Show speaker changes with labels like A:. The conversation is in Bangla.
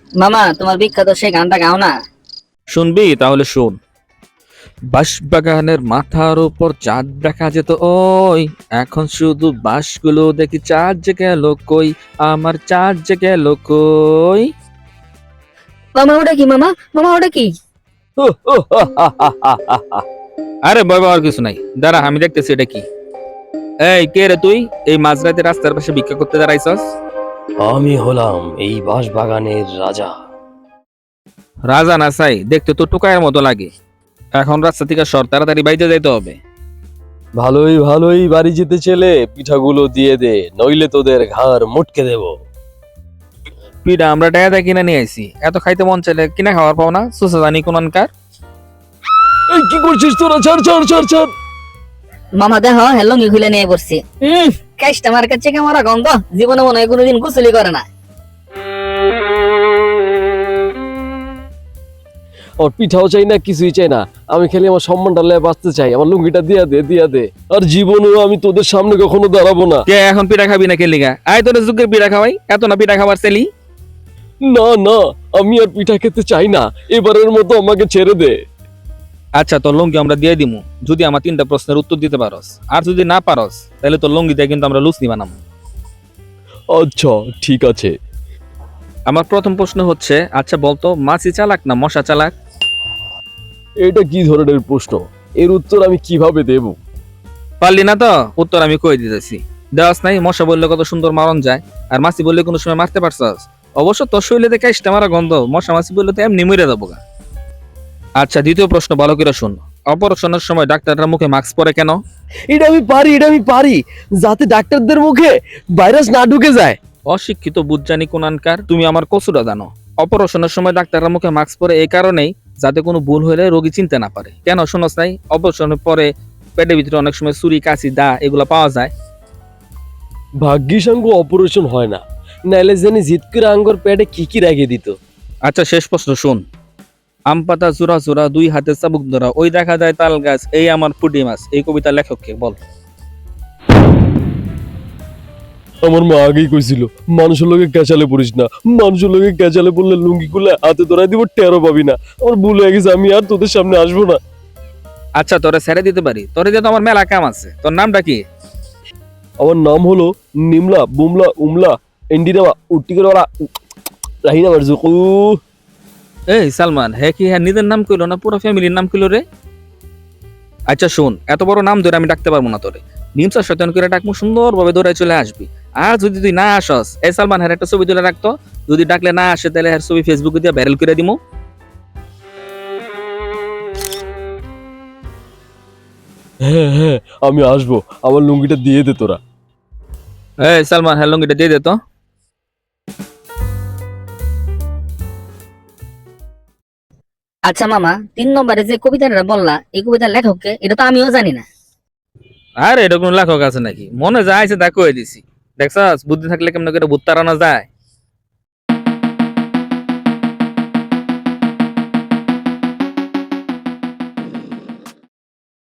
A: মামা তোমার বিখ্যাত সেই গানটা গাও না।
B: শুনবি? তাহলে শোন। বাঁশবাগানের মাথার উপর চাঁদ দেখা যেত ওই, এখন শুধু বাঁশগুলো দেখি চাঁদ যে গেল কই, আমার চাঁদ যে গেল কই।
A: মামা ওটা কি? মামা মামা ওটা কি?
B: আরে ভয় পাওয়ার কিছু নাই, দাঁড়া আমি দেখতেছি এটা কি। এই কে রে তুই? এই মাঝরাতে রাস্তার পাশে ভিক্ষা করতে দাঁড়াইছস?
C: আমি হলাম এই বাঁশবাগানের রাজা।
B: রাজা না চাই, দেখতে তো টোকায়ের মতো লাগে। এখন রাস্তা থেকে সর, তাড়াতাড়ি বাইরে যাইতে হবে।
C: ভালোই ভালোই বাড়ি যেতে ছেলে, পিঠাগুলো দিয়ে দে, নইলে তোদের ঘাড় মুটকে দেব।
B: পিঠা আমরা টাকা কিনে নিয়ে আইছি, এত খাইতে মন চাইলে কিনা খাওয়ার পাও না? সুসা জানি কোনকার।
C: এই কি করছিস তোরা? ছাড় ছাড় ছাড় ছাড়।
A: মামা দেখো লুঙ্গি খুলে নিয়ে পড়ছি। কাজটা আমার কাছে কেমন গন্ধ, জীবনে মনে হয় কোনোদিন গোসলই করে না।
C: আমার পিঠাও চাই না, কিছুই চাই না। আমি খালি আমার সম্মানটা লেয়ে বাঁচতে চাই। আমার লুঙ্গিটা দিয়া দে, দিয়া দে। আর জীবনেও আমি তোদের সামনে কখনো দাঁড়াবো না।
B: কে এখন পিঠা খাবি না? কে লিগা? আয় তোর যুগের পিঠা খাওয়াই, এত না পিঠা খাবার ছেলি।
C: না না, আমি আর পিঠা খেতে চাই না। এবারের মতো আমাকে ছেড়ে দে।
B: আচ্ছা তোর লুঙ্গি আমরা দিয়ে দিমু, যদি আমার 3টা প্রশ্নের উত্তর দিতে পারস। আর যদি না পারস তাহলে তোর লুঙ্গি দিয়ে কিন্তু আমরা লুচনি বানাবো।
C: আচ্ছা ঠিক আছে।
B: আমার প্রথম প্রশ্ন হচ্ছে, আচ্ছা বলতো মাছি চালাক না মশা চালাক?
C: এটা কি ধরনের প্রশ্ন? এর উত্তর আমি কিভাবে দেব?
B: পারলি না তো? উত্তর আমি কই দিতেছি। দেওয়াস নাই? মশা বললে কত সুন্দর মারণ যায়, আর মাছি বললে কোনো সময় মারতে পারছস? অবশ্য তোর শরীরে দেখে ইস্টা মারা গন্ধ, মশা মাছি বললে তো এমনি মরে যাবো গা। আচ্ছা দ্বিতীয় প্রশ্ন ভালো করে শুন। অপারেশনের সময় ডাক্তাররা মুখে মাস্ক পরে কেন?
C: এটা আমি পারি, এটা আমি পারি, যাতে ডাক্তারদের মুখে ভাইরাস না ঢুকে যায়।
B: অশিক্ষিত বুজ্জানি কোনানকার, তুমি আমার কসুরা জানো। অপারেশনের সময় ডাক্তাররা মুখে মাস্ক পরে এই কারণেই, যাতে কোনো ভুল হলে রোগী চিনতে না পারে। কেন শোনস নাই? অপারেশনের পরে পেটের ভিতরে অনেক সময় ছুরি কাঁচি দা এগুলো পাওয়া যায়।
C: ভাগ্যিস আঙ্গু অপারেশন হয় না, নাইলে জানি জিত করে আঙ্গর পেটে কি কি রেখে দিত।
B: আচ্ছা শেষ প্রশ্ন শোন। আম পাতা জোড়া জোড়া, দুই হাতে চাবুক ধরা, ওই দেখা যায় তাল গাছ, এই আমার পুঁটি মাছ। এই কবিতার লেখককে বল।
C: আমার মা আগেই কইছিল, মানুষের লোকে ক্যাচালে পড়িস না। মানুষের লোকে ক্যাচালে পড়লে লুঙ্গি খুলে হাতে ধরাই দিব, টেরো পাবি না। আমার ভুল হয়ে গেছে, আমি আর তোদের সামনে আসবো না।
B: আচ্ছা তোরে ছেড়ে দিতে পারি, তোরে দিয়ে তো আমার মেলা কাম আছে। তোর নামটা কি?
C: আমার নাম হলো নিমলা বুমলা উমলা এন্ডিনামা উট্টিকেরা রাহিনা মারজুকু।
B: এই সালমান, হ্যাঁ কি হ্যাঁ নিজের নাম কইলো না পুরো ফ্যামিলির নাম কইলো রে? আচ্ছা শোন, এত বড় নাম ধরে আমি ডাকতে পারবো না তোরে। নিমসা শয়তান করে ডাকমু, সুন্দরভাবে ধরে চলে আসবি। আর যদি তুই না আসস, এই সালমান হ্যাঁ একটা ছবি তুলে রাখতো। যদি ডাকলে না আসে তাহলে হ্যাঁ ছবি ফেসবুকে দিয়ে ভাইরাল করে দিমু।
C: হ্যাঁ হ্যাঁ, আমি আসবো। আমার লুঙ্গিটা দিয়ে দে তোরা।
B: এই সালমান, হ্যাঁ লুঙ্গিটা দিয়ে দে তো।
A: আচ্ছা মামা, 3 নম্বরে যে কবিতাটা বললা, এই কবিতার লেখককে? এটা তো আমিও জানি না।
B: আর এটা কোন লেখক আছে নাকি? মনে যায় আছে তা কয়ে দিছি। দেখছস বুদ্ধি থাকলে কেমন করে ভূত তাড়ানো যায়।